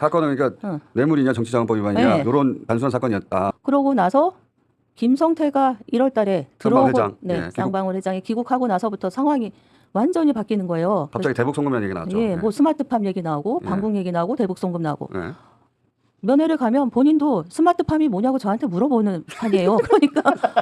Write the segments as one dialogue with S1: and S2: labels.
S1: 사건은 그러니까 뇌물이냐 정치자금법 위반이냐
S2: 네.
S1: 이런 단순한 사건이었다.
S2: 그러고 나서 김성태가 1월 달에
S1: 쌍방울
S2: 들어오고
S1: 회장.
S2: 네,
S1: 예, 귀국.
S2: 쌍방울 회장이 귀국하고 나서부터 상황이 완전히 바뀌는 거예요.
S1: 갑자기 대북 송금이라는 얘기 나왔죠.
S2: 예, 뭐 스마트팜 얘기 나오고
S1: 예.
S2: 방북 얘기 나오고 대북 송금 나오고
S1: 네.
S2: 면회를 가면 본인도 스마트팜이 뭐냐고 저한테 물어보는 판이에요. 그러니까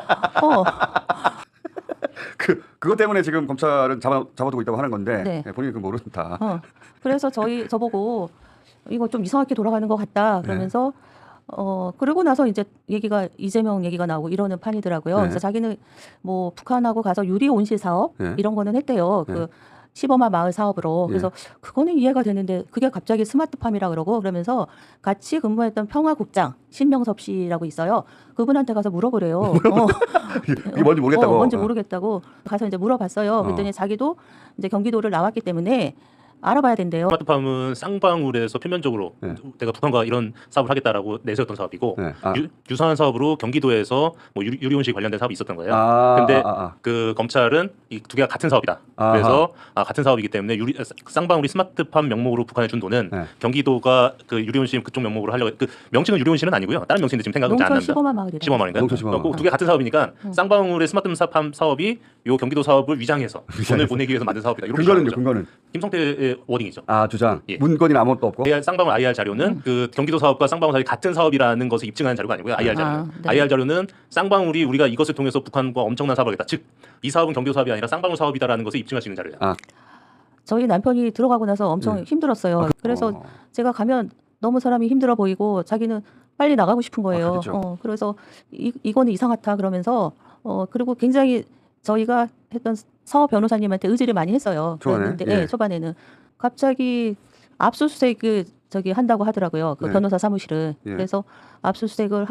S1: 그것 때문에 지금 검찰은 잡아두고 있다고 하는 건데
S2: 네.
S1: 예, 본인이 그 모른다.
S2: 그래서 저보고 이거 좀 이상하게 돌아가는 것 같다 그러면서 그러고 나서 이제 얘기가 이재명 얘기가 나오고 이러는 판이더라고요.
S1: 네.
S2: 그래서 자기는 뭐 북한하고 가서 유리 온실 사업
S1: 네.
S2: 이런 거는 했대요.
S1: 네.
S2: 그 시범화 마을 사업으로.
S1: 네.
S2: 그래서 그거는 이해가 되는데 그게 갑자기 스마트팜이라 그러고 그러면서 같이 근무했던 평화국장 신명섭 씨라고 있어요. 그분한테 가서 물어보래요.
S1: 이게 뭔지 모르겠다고.
S2: 뭔지 모르겠다고 가서 이제 물어봤어요. 그랬더니 자기도 이제 경기도를 나왔기 때문에 알아봐야 된대요.
S3: 스마트팜은 쌍방울에서 표면적으로
S1: 네.
S3: 내가 북한과 이런 사업을 하겠다라고 내세웠던 사업이고
S1: 네.
S3: 유사한 사업으로 경기도에서 뭐 유리온실 관련된 사업이 있었던 거예요.
S1: 아,
S3: 근데 그 검찰은 이 두 개가 같은 사업이다.
S1: 아하.
S3: 그래서 같은 사업이기 때문에 쌍방울이 스마트팜 명목으로 북한에 준 돈은
S1: 네.
S3: 경기도가 그 유리온실 그쪽 명목으로 하려고 그 명칭은 유리온실은 아니고요. 다른 명칭인데 지금 생각은 잘 안
S2: 농촌
S3: 납니다.
S2: 시범화 마을이래.
S3: 시범마을인가?
S1: 농촌 시범마을.
S3: 두 개 같은 사업이니까 쌍방울의 스마트팜 사업이 요 경기도 사업을 위장해서 돈을 보내기 위해서 만든 사업이다. 이렇게
S1: 근거는요,
S3: 주장하죠.
S1: 근거는.
S3: 김성태의 워딩이죠.
S1: 주장.
S3: 예.
S1: 문건이 아무것도 없고.
S3: 쌍방울 IR 자료는 그 경기도 사업과 쌍방울 사업이 같은 사업이라는 것을 입증하는 자료가 아니고요. IR 자료는.
S2: 네.
S3: IR 자료는 쌍방울이 우리가 이것을 통해서 북한과 엄청난 사업을 하겠다. 즉, 이 사업은 경기도 사업이 아니라 쌍방울 사업이다라는 것을 입증할 수 있는 자료예요.
S2: 저희 남편이 들어가고 나서 엄청 힘들었어요. 그래서 제가 가면 너무 사람이 힘들어 보이고 자기는 빨리 나가고 싶은 거예요.
S1: 그렇죠.
S2: 그래서 이거는 이상하다 그러면서 그리고 굉장히 저희가 했던 서 변호사님한테 의지를 많이 했어요.
S1: 초반에?
S2: 그랬는데
S1: 예.
S2: 초반에는 갑자기 압수수색 한다고 하더라고요. 그
S1: 네.
S2: 변호사 사무실을.
S1: 예.
S2: 그래서 압수수색을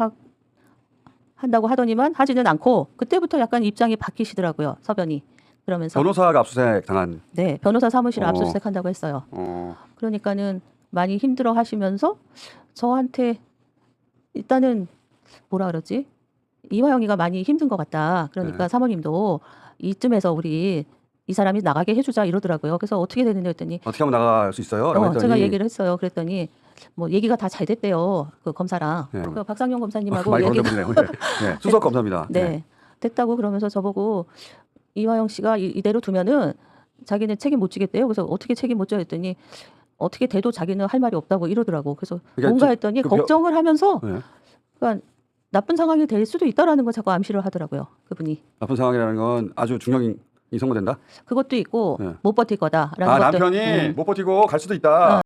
S2: 한다고 하더니만 하지는 않고 그때부터 약간 입장이 바뀌시더라고요. 서변이. 그러면서
S1: 변호사가 압수수색 당한.
S2: 네, 변호사 사무실 압수수색 한다고 했어요. 그러니까는 많이 힘들어 하시면서 저한테 일단은 뭐라 그러지? 이화영이가 많이 힘든 것 같다. 그러니까
S1: 네.
S2: 사모님도 이쯤에서 우리 이 사람이 나가게 해주자 이러더라고요. 그래서 어떻게 되는지 했더니
S1: 어떻게 하면 나갈 수 있어요? 라고 했더니
S2: 제가 얘기를 했어요. 그랬더니 뭐 얘기가 다 잘 됐대요. 그 검사랑
S1: 네.
S2: 그 박상용 검사님하고
S1: 많이
S2: 얘기가
S1: 건드리네요. 네. 수석 검사입니다.
S2: 네, 됐다고 그러면서 저보고 이화영 씨가 이대로 두면은 자기는 책임 못 지겠대요. 그래서 어떻게 책임 못 져 했더니 어떻게 돼도 자기는 할 말이 없다고 이러더라고. 그래서
S1: 그러니까
S2: 뭔가 했더니 걱정을 하면서
S1: 네.
S2: 그러니까 나쁜 상황이 될 수도 있다라는 걸 자꾸 암시를 하더라고요. 그분이.
S1: 나쁜 상황이라는 건 아주 중형이 선고된다.
S2: 그것도 있고
S1: 네.
S2: 못 버틸 거다라는 것도.
S1: 남편이 못 버티고 갈 수도 있다.